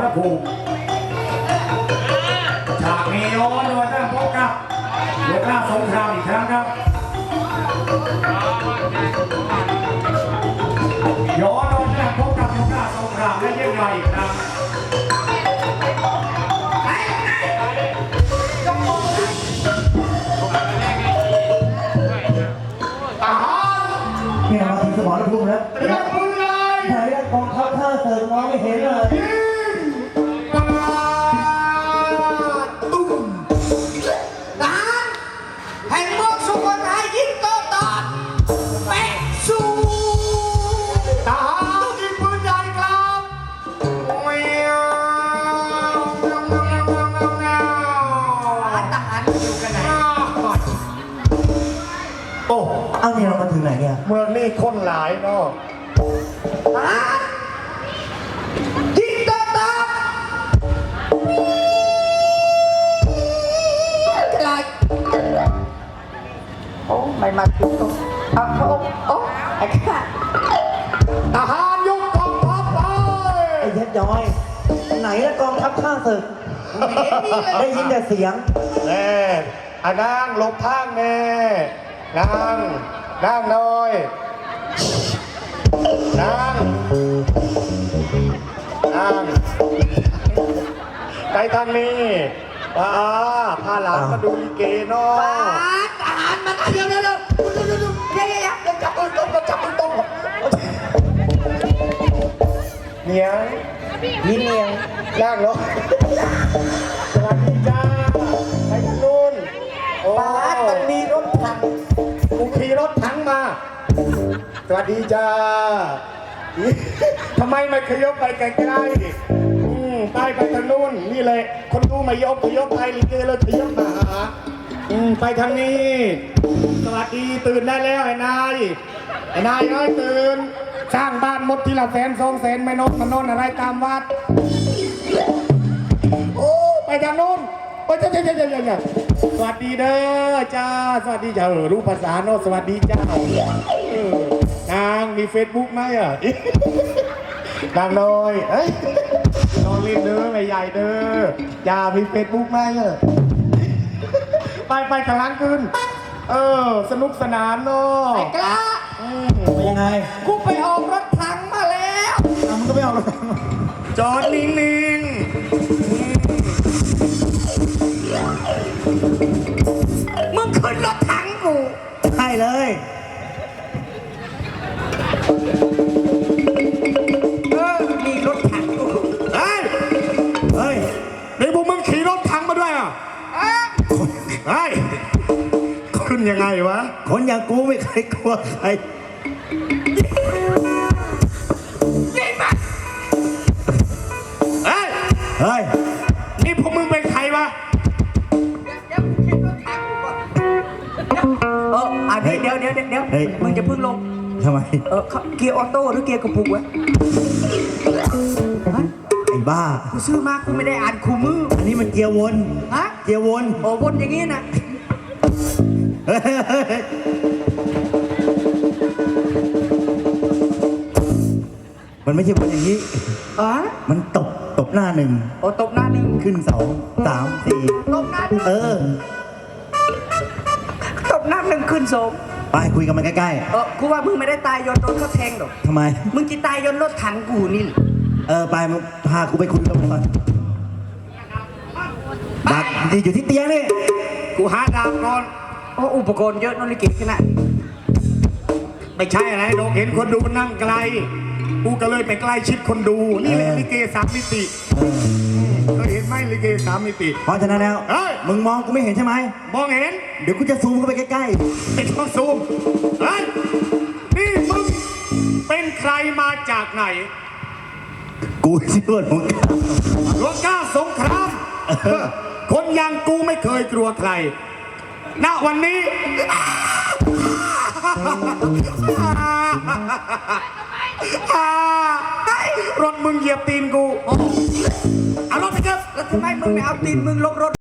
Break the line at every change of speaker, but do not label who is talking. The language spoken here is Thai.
ภูมิฉากนี้ย้อนมาตั้งพบกับหัวหน้าสงครามอีกครั้งครับย้อนมาตั้งพบกับหัวหน้าสงครามและยิ่งใหญ่อีกครั้ง
เนี่ยมาถึงสมรภูมิแล้วเรียกปืนเลยแต่เรียกกองทัพข้าเสิร์ฟมองไม่เห็นเลย
ตุ้มทหารแห่งเมืองสุโขทัยยิงโตตอดแปะสู้ทหารยิงปืนใหญ่ครับแมวทหารอยู่กันไหนโอ้
เอาเนี่ยเรามาถึงไหนเนี่ย
เมืองนี้คนหลายเนาะ
ทหารยิงโตตอดอะไรโอ้ไม่มาถึงตรงโอ้ไอ้ข้าทหารยกกองทัพไป
ไอ้เพชรย้อยไหนละกองทัพข้าศึกได้ยินแต่เสียง
แน่นั่งลบทางแน่นั่งหน่อยนั่งไปทางนี้พาหลานมาดูลิเกเนาะ
ทหารมาเดี๋ยวจับมือตรง
เนียง
ยินเนียง
ย่างเนาะสวัสดีจ้าไปทางนู้นโอ้
มันมีรถถัง
กูขี่รถถังมาสวัสดีจ้าทำไมไม่ขยบไปไกลๆไปทางนู้นนี่เลยคนดูไม่ยกไปลิเกเลยขยบมาหาไปทางนี้สวัสดีตื่นได้แล้วไอ้นายเอ้ยตื่นสร้างบ้านมดทีละ100,000-200,000ไม่นอนมันนอนอะไรตามวัดโอ้ไปทางนู้นโอ้ยจ้าสวัสดีเด้อจ้าสวัสดีจ้ารู้ภาษาโน้สวัสดีเจ้านางมีเฟซบุ๊กไหมนางน้อยนอนรีบเด้อไม่ใหญ่เด้อจ้ามีเฟซบุ๊กไหมไปกำลังขึ้นสนุกสนานเนาะ
ไอ้กล้า
เป็นยังไง
กูไปออกรถถังมาแล้ว
มึงก็ไม่ออกรถ
จอดนิ่ง
มึงขึ้นรถถังกู
ใช่เลย
มีรถถังกู
เฮ้ยนี่พวกมึงขี่รถถังมาด้วยเฮ้ยขึ้นยังไงวะ
คนอย่างกูไม่เคยกลัวใคร
ยิงมา
เฮ้ยนี่พวกมึงเป็นใครวะ
เดี๋ยวขึ้นรถถังกูก่อนเดี๋ยวมึงจะพึ่งลง
ทำไม
เกียร์ออโต้หรือเกียร์กระปุกวะ
ไอ้บ้า
กูซื้อมากูไม่ได้อ่านคู่มือ
อันนี้มันเกียร์วนเกียร์วน
วนอย่างงี้นะ
มันไม่ใช่วนอย่างนี้มันตบหน้าหนึ่ง
ตบหน้าหนึ่ง
ขึ้น2 3 4
ตบหน้าหนึ่งตบหน้าหนึ่งขึ้น2
ไปคุยกันมันใกล้
กูว่ามึงไม่ได้ตายยนโดนเขาแทงหรอก
ทำไม
มึงจะตายยนรถถังกูนี่
ไปมึงพากูไปคุยกับมึงก่อนดักอยู่ที่เตียงนี่
กูหาดาบก่อน
อุปกรณ์เยอะนนลิเกขนาด
ไม่ใช่อะไรโดนเห็นคนดูมันนั่งไกลกูก็เลยไปใกล้ชิดคนดูนี่แหละลิเก3 มิติเคยเห็นไหมลิเก3 มิติ
เพราะฉะนั้นแล้วมึงมองกูไม่เห็นใช่ไหม
มองเห็น
เดี๋ยวกูจะซูมเข้าไปใกล้
ๆไม่ต้องซูมนี่มึงเป็นใครมาจากไหน
กูชื่อหลวง
กล้าสงครามคนอย่างกูไม่เคยกลัวใครณวันนี้รถมึงเหยียบตีนกูเอารถไปเถอะ
แล้วทำไมมึงไม่เอาตีนมึงลงรถ